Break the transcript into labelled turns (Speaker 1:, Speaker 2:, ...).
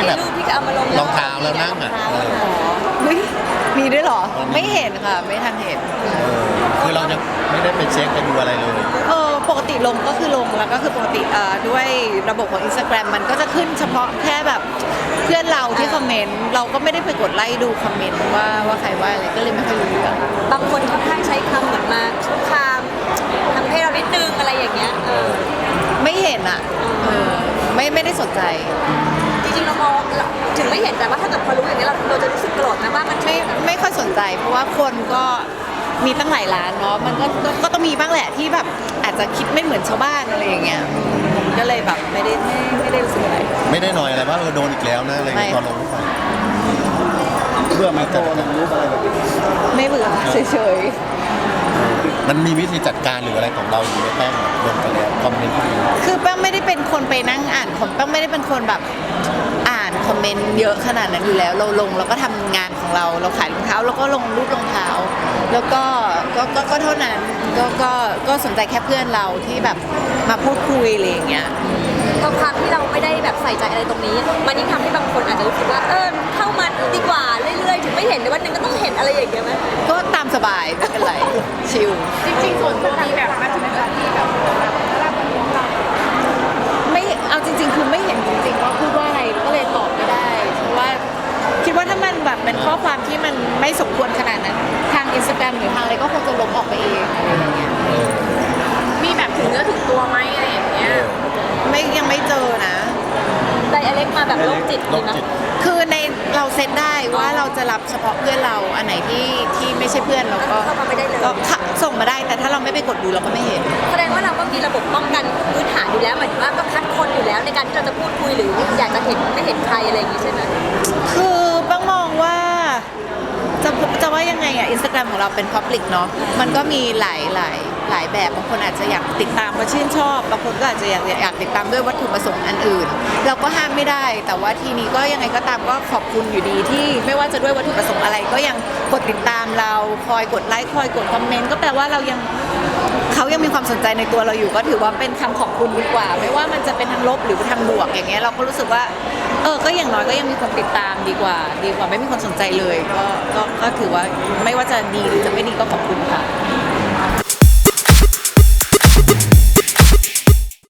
Speaker 1: แบบ
Speaker 2: รูปที่จะเอามาลง
Speaker 1: รองเท้าแล้วนั่งอ่ะ
Speaker 3: เฮ้ยมีด้วยเหรอไม่เห็นค่ะไม่ทันเห็น
Speaker 1: คือเราจะไม่ได้ไปเช็คไปดูอะไรเลย
Speaker 3: ปกติลงก็คือลงแล้วก็คือปกติด้วยระบบของ Instagram มันก็จะขึ้นเฉพาะแค่แบบเพื่อนเราที่คอมเมนต์เราก็ไม่ได้ไปกดไล่ดูคอมเมนต์ว่าใครว่าอะไรก็เลยไม่ค่อยรู้เรื่อง
Speaker 2: บางคนค่อนข้างใช้คำเหมือนมาคุกคามทำให้เรานิดนึงอะไรอย่างเงี้ย
Speaker 3: ไม่เห็นอ่ะไม่ได้สนใจ
Speaker 2: จริงๆเรามองถึงไม่เห็นแต่ว่าถ้าเกิดพอรู้อย่างนี้เราจะรู้สึกโกรธนะว่ามัน
Speaker 3: ไม่ค่อยสนใจ เพราะว่าคนก็มีตั้งหลายร้านเนาะมันก็ต้องมีบ้างแหละที่แบบอาจจะคิดไม่เหมือนชาวบ้านอะไรอย่างเงี้ยก็เลยแบบไม่ได้รู้สึกอะไร
Speaker 1: ไม่ได้หน่อยอะไรว่าโดนอีกแล้วนะอะไรตอนลงรูปไปเบื่อไหมโตลงรูปอะไรแบบนี้
Speaker 3: ไม่เบื่อเฉย
Speaker 1: มันมีวิธีจัดการหรืออะไรของเราอยู่ในแป้งลงไปแล้วคอมเมนต์
Speaker 3: คือแป้งไม่ได้เป็นคนไปนั่งอ่านแป้งไม่ได้เป็นคนแบบอ่านคอมเมนต์เยอะขนาดนั้นอยู่แล้วเราลงเราก็ทำงานของเราขายรองเท้าแล้วก็ลงรูปรองเท้าแล้วก็เท่านั้นก็สนใจแค่เพื่อนเราที่แบบมาพูดคุยอะไรอย่างเงี้ย
Speaker 2: ความที่เราไม่ได้แบบใส่ใจอะไรตรงนี้มันยิ่งทำให้บางคนอาจจะรู้สึกว่าเข้ามาดีกว่าเรื่อยๆถึงไม่เห็นในวันหนึ่งก็ต้องเห็นอะไรอย่างเงี้ยไหม
Speaker 3: ก็ตามสบายไม่เป็นไรชิล
Speaker 4: จริงๆส่วนตัวมีแบบมาถึงนาทีแบบ
Speaker 3: ไม่เอาจริงๆคือไม่เห็นจริงๆว่าพูดว่าอะไรก็เลยตอบไม่ได้เพราะว่าคิดว่าถ้ามันแบบเป็นข้อความที่มันไม่สมควรขนาดนั้นทาง Instagram หรือทางอะไรก็คงจะลบออกไปเองอะไรอย่างเงี้ย
Speaker 4: มีแบบถึงเนื้อถึงตัวไหมอะไรอย่างเงี้ย
Speaker 3: ยังไม่เจอนะ
Speaker 2: แต่อเล็กมาแบบโรคจิตเลยนะ
Speaker 3: คือในเราเซตได้ว่าเราจะรับเฉพาะเพื่อนเราอันไหนที่ไม่ใช่เพื่อนเราก็
Speaker 2: เข้ามาไม่ได้เลย
Speaker 3: ก็ส่งมาได้แต่ถ้าเราไม่ไปกดดูเราก็ไม่เห็น
Speaker 2: แสดงว่าเราก็มีระบบป้องกันพื้นฐานอยู่แล้วหมายถึงว่าก็คัดคนอยู่แล้วในการที่เราจะพูดคุยหรืออยากจะเห็นไม่เห็นใครอะไรอย่างงี้ใช่ไหม
Speaker 3: คือบ้างมองว่าจะว่ายังไงอ่ะ Instagram ของเราเป็น Public เนาะมันก็มีหลายแบบบางคนอาจจะอยากติดตามเพราะชื่นชอบบางคนก็อาจจะอยากติดตามด้วยวัตถุประสงค์อันอื่นเราก็ห้ามไม่ได้แต่ว่าทีนี้ก็ยังไงก็ตามก็ขอบคุณอยู่ดีที่ไม่ว่าจะด้วยวัตถุประสงค์อะไรก็ยังกดติดตามเราคอยกดไลค์คอยกดคอมเมนต์ก็แปลว่าเขายังมีความสนใจในตัวเราอยู่ก็ถือว่าเป็นคำขอบคุณดีกว่าไม่ว่ามันจะเป็นทางลบหรือทางบวกอย่างเงี้ยเราก็รู้สึกว่าก็อย่างน้อยก็ยังมีคนติดตามดีกว่าไม่มีคนสนใจเลยก็ถือว่าไม่ว่าจะดีหรือจะไม่ดีก็ขอบคุณค่ะ